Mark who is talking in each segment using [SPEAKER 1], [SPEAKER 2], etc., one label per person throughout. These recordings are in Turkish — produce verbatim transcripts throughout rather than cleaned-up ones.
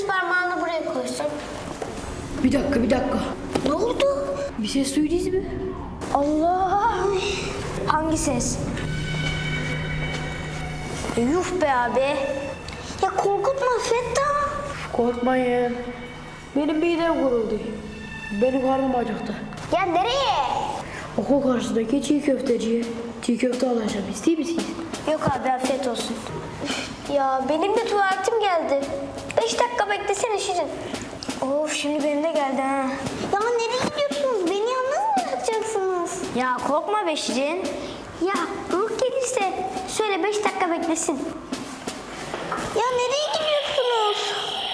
[SPEAKER 1] parmağını buraya koysun.
[SPEAKER 2] Bir dakika bir dakika.
[SPEAKER 1] Ne oldu?
[SPEAKER 2] Bir ses duydunuz mu?
[SPEAKER 1] Allah! Hangi ses? E, yuh be abi. Ya korkutma Fettah.
[SPEAKER 2] Korkmayın. Benim midem kuruldu. Benim karnım acıktı.
[SPEAKER 1] Ya nereye?
[SPEAKER 2] Okul karşısındaki çiğ köfteciye çiğ köfte alacağım. İster misiniz?
[SPEAKER 1] Yok abi afiyet olsun. Üf, ya benim de tuvaletim geldi. Beş dakika beklesene Şirin. Of şimdi benim de geldi ha. Ya nereye gidiyorsunuz? Beni yalnız mı bırakacaksınız? Ya korkma be Şirin. Ya ruh gelirse söyle beş dakika beklesin. Ya nereye gidiyorsunuz?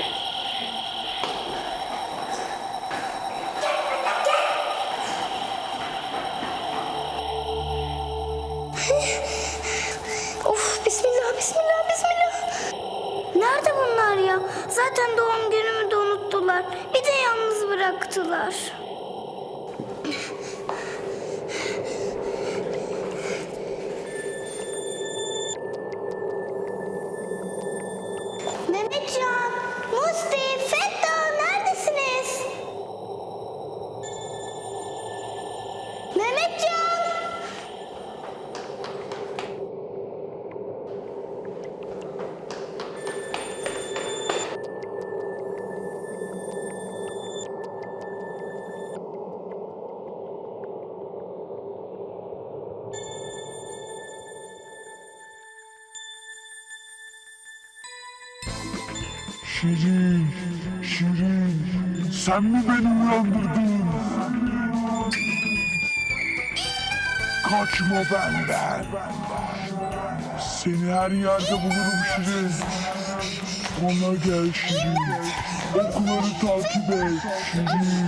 [SPEAKER 1] Of bismillah bismillah bismillah. Nerede bunlar ya? Zaten doğum günümü de unuttular. Bir de yalnız bıraktılar. Mehmetcan, Musti, Fettah neredesiniz? Mehmetcan!
[SPEAKER 3] Şirin, Şirin, sen mi beni uyandırdın? Kaçma benden. Seni her yerde bulurum Şirin. Ona gel Şirin. Okuları takip et Şirin.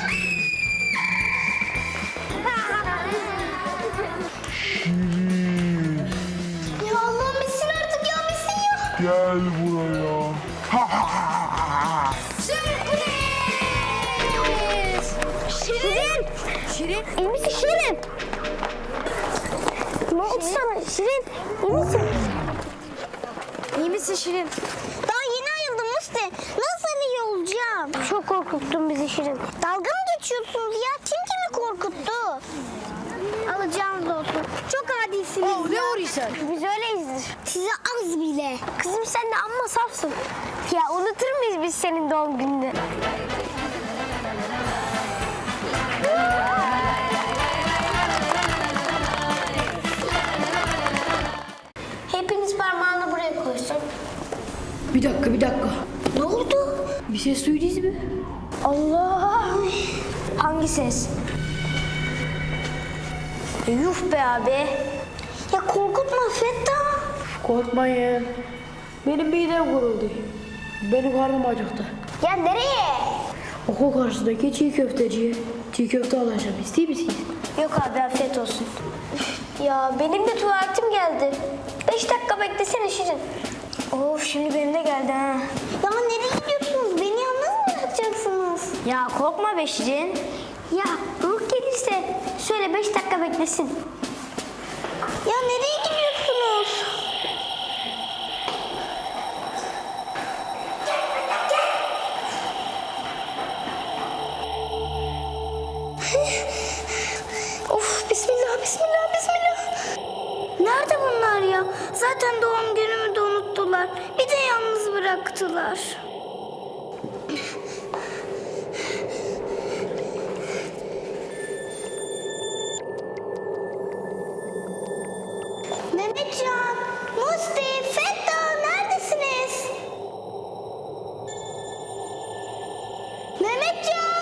[SPEAKER 3] Şirin,
[SPEAKER 1] Ya Allah'ım bitsin artık ya bitsin ya.
[SPEAKER 3] gel buraya. Ha ha ha.
[SPEAKER 1] Sürpriz! Şirin! Şirin! İyi misin Şirin? Ne oldu sana Şirin? İyi misin? İyi misin Şirin? Daha yeni ayıldım Musti. Nasıl iyi olacağım? Çok korkuttun bizi Şirin. Dalga mı geçiyorsunuz ya? Kim kimi korkuttu? Alacağınız olsun. Çok adilsiniz
[SPEAKER 2] Oh, ne
[SPEAKER 1] ya.
[SPEAKER 2] vuruyorsun?
[SPEAKER 1] Biz öyleyizdir. Size az bile. Kızım sen de amma safsın. Ya unutur muyuz biz senin doğum gününü? Hepiniz parmağını buraya koysun.
[SPEAKER 2] Bir dakika bir dakika.
[SPEAKER 1] Ne oldu?
[SPEAKER 2] Bir ses duydunuz mu?
[SPEAKER 1] Allah! Hangi ses? E, yuh be abi. Ya korkutma Fettah.
[SPEAKER 2] Korkmayın. Benim midem kuruldu. Benim karnım acıktı.
[SPEAKER 1] Ya nereye?
[SPEAKER 2] Okul karşısındaki çiğ köfteciye çiğ köfte alacağım. İster misiniz?
[SPEAKER 1] Yok abi afiyet olsun. Üf, ya benim de tuvaletim geldi. Beş dakika beklesene Şirin. Of şimdi benim de geldi ha. Ya nereye gidiyorsunuz? Beni yalnız mı bırakacaksınız? Ya korkma be Şirin. Ya ruh gelirse söyle beş dakika beklesin. Ya nereye gidiyorsunuz? Of bismillah bismillah bismillah. Nerede bunlar ya? Zaten doğum günümü de unuttular. Bir de yalnız bıraktılar. Mehmetcan, Musti, Fettah neredesiniz? Mehmetcan!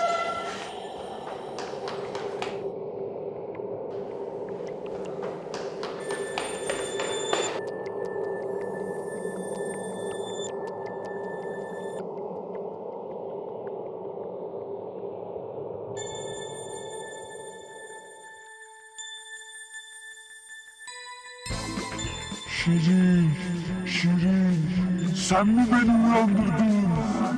[SPEAKER 3] Şirin, Şirin, sen mi beni uyandırdın?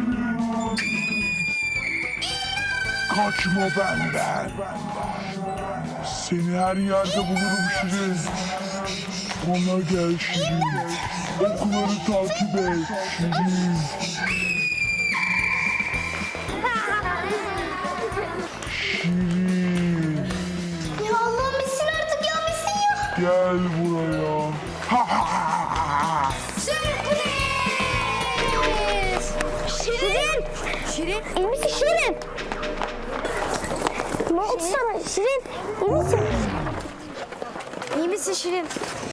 [SPEAKER 3] Kaçma benden. Seni her yerde bulurum Şirin. Ona gel Şirin. Okuları takip et Şirin. Gel buraya.
[SPEAKER 1] Şirin! Şirin! İyi misin Şirin? Ne oldu sana Şirin? İyi misin? İyi misin Şirin?